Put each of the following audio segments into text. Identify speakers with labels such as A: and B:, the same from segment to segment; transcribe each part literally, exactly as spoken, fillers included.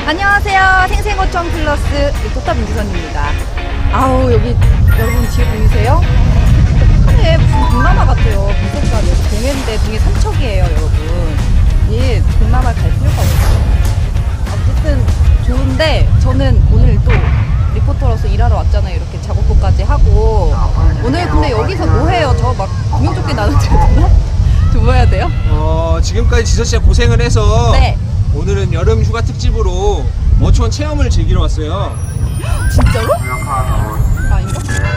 A: 안녕하세요. 생생어촌 플러스 리포터 민지선입니다. 아우 여기 여러분 뒤에 보이세요? 북한에 무슨 동남아 같아요. 미세가는 동해인데 동해 삼척이에요 여러분. 예, 동남아 갈 필요가 없어요. 어쨌든 좋은데 저는 오늘 또 리포터로서 일하러 왔잖아요. 이렇게 작업복까지 하고. 오늘 근데 여기서 뭐 해요? 저 막 구명조끼 나는데 되나? 저 뭐 해야 돼요?
B: 어, 지금까지 지서 씨가 고생을 해서
A: 네.
B: 오늘은 여름 휴가 특집으로 어촌 체험을 즐기러 왔어요.
A: 진짜로? 아닌가?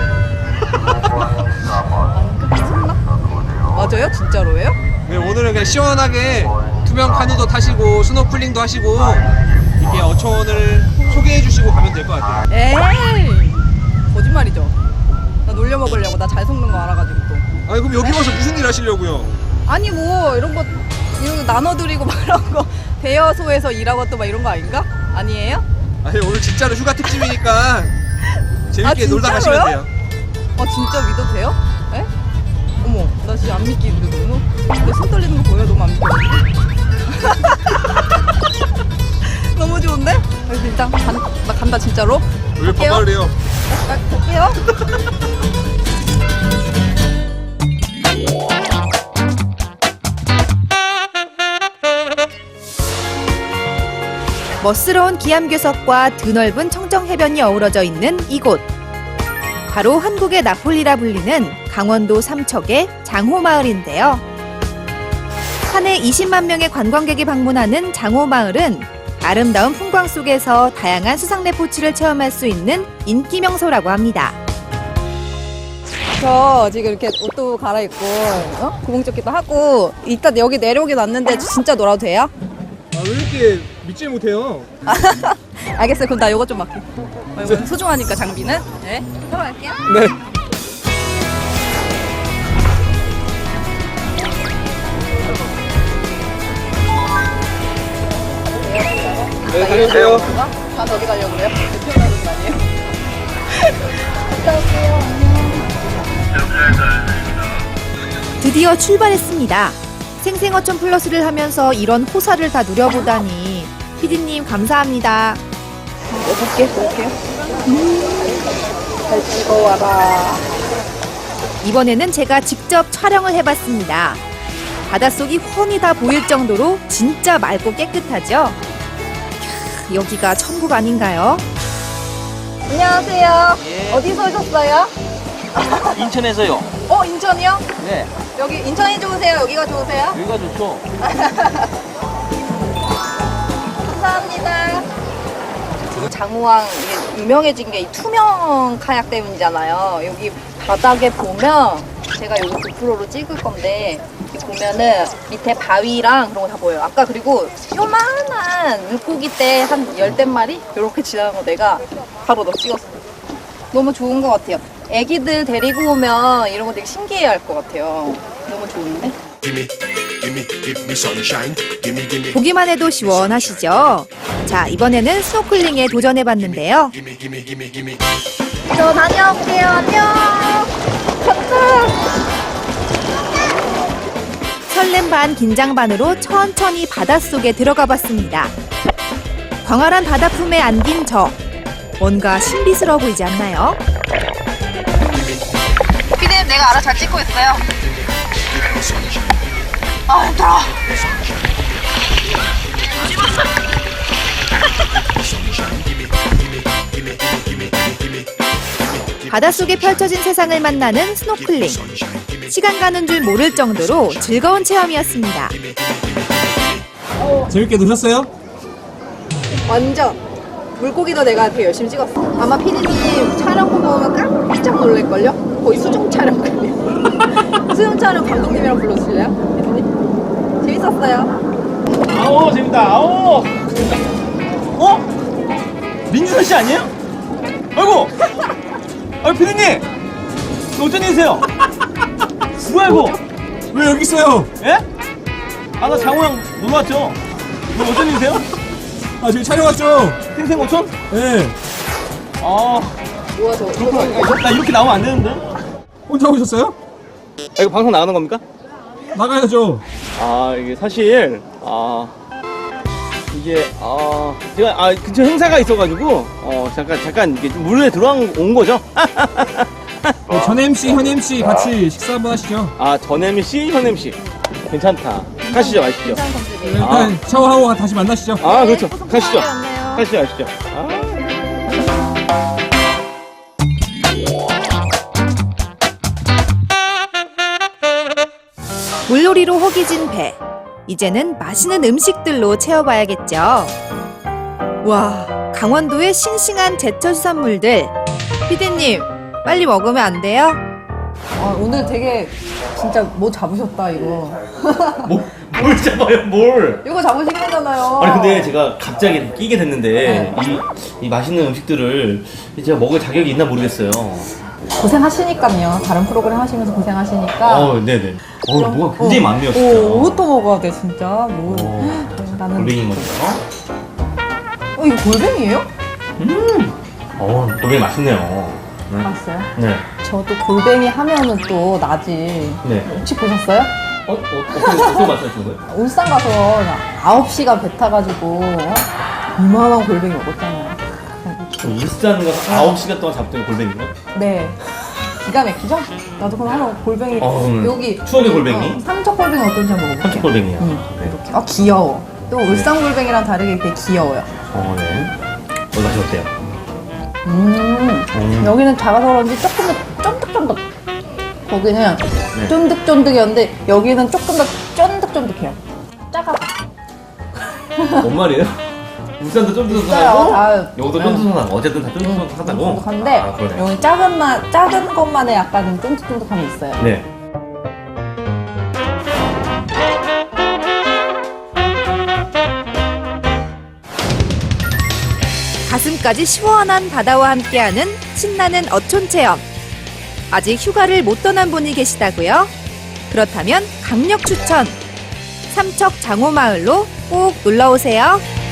A: 아닌가? 미쳤나? 맞아요? 진짜로예요?
B: 네, 오늘은 그냥 시원하게 투명 카누도 타시고 스노클링도 하시고 이렇게 어촌을 소개해 주시고 가면 될 것 같아요.
A: 에이 거짓말이죠. 나 놀려 먹으려고. 나 잘 속는 거 알아가지고 또.
B: 아니 그럼 여기 와서 무슨 일 하시려고요?
A: 아니 뭐 이런 거 이런 거 나눠드리고 막 이런 거 대여소에서 일하고 또 막 이런 거 아닌가? 아니에요?
B: 아니 오늘 진짜로 휴가 특집이니까 재밌게
A: 아,
B: 놀다 가시면
A: 진짜로요?
B: 돼요.
A: 아 진짜 믿어도 돼요? 에? 어머 나 진짜 안 믿기는데 너무 내 손 떨리는 거 보여? 너무 안 믿겨. 너무 좋은데? 아, 일단 간, 나 간다 진짜로.
B: 왜
A: 갈게요.
B: 반말해요?
A: 아, 갈게요. 멋스러운 기암괴석과 드넓은 청정해변이 어우러져 있는 이곳. 바로 한국의 나폴리라 불리는 강원도 삼척의 장호마을인데요. 한 해 이십만 명의 관광객이 방문하는 장호마을은 아름다운 풍광 속에서 다양한 수상레포츠를 체험할 수 있는 인기 명소라고 합니다. 저 지금 이렇게 옷도 갈아입고 어? 구멍조끼도 하고 이따 여기 내려오긴 왔는데 진짜 놀아도 돼요?
B: 아, 왜 이렇게 믿질 못해요?
A: 알겠어요. 그럼 나 이거 좀 맡게. 어, 이거 소중하니까 장비는. 네. 들어갈게요.
B: 네. 네, 다녀오세요.
A: 다 어디 가려고 그래요? 대표 가는 거 아니에요? 갔다 올게요. 안녕. 드디어 출발했습니다. 생생어촌 플러스를 하면서 이런 호사를 다 누려보다니 피디님 감사합니다. 볼게 볼게요. 음, 잘 찍어와라. 이번에는 제가 직접 촬영을 해봤습니다. 바닷속이 훤히 다 보일 정도로 진짜 맑고 깨끗하죠? 캬, 여기가 천국 아닌가요? 안녕하세요.
C: 예.
A: 어디서 오셨어요?
C: 인천에서요.
A: 어 인천이요?
C: 네,
A: 여기 인천이 좋으세요? 여기가 좋으세요?
C: 여기가 좋죠.
A: 감사합니다. 장호항 이게 유명해진 게 이 투명 카약 때문이잖아요. 여기 바닥에 보면 제가 여기 고프로로 찍을 건데 여기 보면은 밑에 바위랑 그런 거 다 보여요. 아까 그리고 요만한 물고기 때 한 열댓 마리 이렇게 지나간 거 내가 바로 너 찍었어. 너무 좋은 것 같아요. 애기들 데리고 오면 이런 거 되게 신기해 할 것 같아요. 너무 좋은데? 보기만 해도 시원하시죠? 자, 이번에는 스노클링에 도전해봤는데요. 저 다녀올게요. 안녕. 간다. 설렘 반 긴장 반으로 천천히 바닷속에 들어가 봤습니다. 광활한 바다 품에 안긴 저. 뭔가 신비스러워 보이지 않나요? 피디님 내가 알아 잘 찍고 있어요. 아 힘들어. 바닷속에 펼쳐진 세상을 만나는 스노클링. 시간 가는 줄 모를 정도로 즐거운 체험이었습니다.
B: 재밌게 노셨어요?
A: 완전. 물고기도 내가 되게 열심히 찍었어. 아마 피디님 촬영 보고 오면 깜짝 놀랄걸요? 거의 수중 촬영 같네요. 수중 촬영 감독님이랑 불러주실래요? 피디님? 재밌었어요.
D: 아오 재밌다. 아오. 어? 민지선 씨 아니에요? 아이고. 아 피디님. 어쩐 일이세요? 뭐야 이거?
B: 왜 여기 있어요?
D: 예? 아 나 장호랑 놀러 왔죠. 뭐 어쩐 일이세요?
B: 아 저희 촬영 왔죠?
D: 생생어촌?
B: 네.
D: 아
A: 뭐야 저.
D: 그렇구나. 나 이렇게 나오면 안 되는데.
B: 혼자 오셨어요?
D: 아, 이거 방송 나가는 겁니까?
B: 나가야죠.
D: 아 이게 사실 아 이게 어 제가 아 근처 행사가 있어가지고 어 잠깐 잠깐 이게 좀 물에 들어온 온 거죠.
B: 네, 전 엠씨, 현 엠씨 같이 식사 한번 하시죠.
D: 아 전 엠씨 현 엠씨 괜찮다. 가시죠 가시죠.
A: 괜찮은 컨셉이에요.
B: 일단 샤워하고 다시 만나시죠.
D: 아 그렇죠.
A: 네,
D: 가시죠.
A: 좋네요.
D: 가시죠 가시죠. 아.
E: 물놀이로 허기진 배. 이제는 맛있는 음식들로 채워봐야겠죠. 와, 강원도의 싱싱한 제철 수산물들. 피디님, 빨리 먹으면 안 돼요?
A: 아, 오늘 되게 진짜 뭐 잡으셨다 이거.
D: 뭘, 뭘 잡아요 뭘?
A: 이거 잡으신 거잖아요.
D: 아니 근데 제가 갑자기 끼게 됐는데
A: 네.
D: 이, 이 맛있는 음식들을 제가 먹을 자격이 있나 모르겠어요.
A: 고생하시니까요. 다른 프로그램 하시면서 고생하시니까.
D: 어, 네네. 어, 뭐가 굉장히 많네요, 진짜.
A: 오, 뭐부터 먹어야 돼 진짜. 뭐.
D: 어,
A: 나는.
D: 골뱅이 먼저.
A: 어, 이거 골뱅이에요?
D: 음. 어, 골뱅이 맛있네요. 네.
A: 봤어요?
D: 네.
A: 저도 골뱅이 하면은 또 나지.
D: 네.
A: 혹시 보셨어요?
D: 어, 어, 어떻게, 어떻게 말씀하시는 거예요?
A: 울산 가서 아홉 시간 배 타가지고 이만한 골뱅이 먹었잖아요.
D: 울산 가서 아홉 시간 동안 잡던 골뱅이요?
A: 네. 기가 막히죠? 나도 그럼 한번 골뱅이
D: 어, 음.
A: 여기
D: 추억의 골뱅이?
A: 어, 삼척 골뱅이 어떤지 한번 먹어볼게요.
D: 삼척 골뱅이요.
A: 응.
D: 네.
A: 이렇게. 아 귀여워. 또 울산 골뱅이랑 다르게 되게 귀여워요.
D: 어, 네. 어, 맛이 어때요?
A: 음.
D: 음.
A: 여기는 작아서 그런지 조금 더 쫀득쫀득. 거기는
D: 네.
A: 쫀득쫀득이었는데 여기는 조금 더 쫀득쫀득해요. 작아.
D: 뭔 말이에요? 울산도
A: 있어요.
D: 쫀득쫀득하고
A: 다.
D: 여기도
A: 네.
D: 쫀득쫀득하고 어쨌든 다 쫀득쫀득하다고?
A: 쫀득한데
D: 아, 그러네.
A: 여기 작은 맛, 작은 것만의 약간 쫀득쫀득함이 있어요.
D: 네.
E: 가슴까지 시원한 바다와 함께하는 신나는 어촌 체험. 아직 휴가를 못 떠난 분이 계시다고요? 그렇다면 강력 추천! 삼척 장호마을로 꼭 놀러오세요.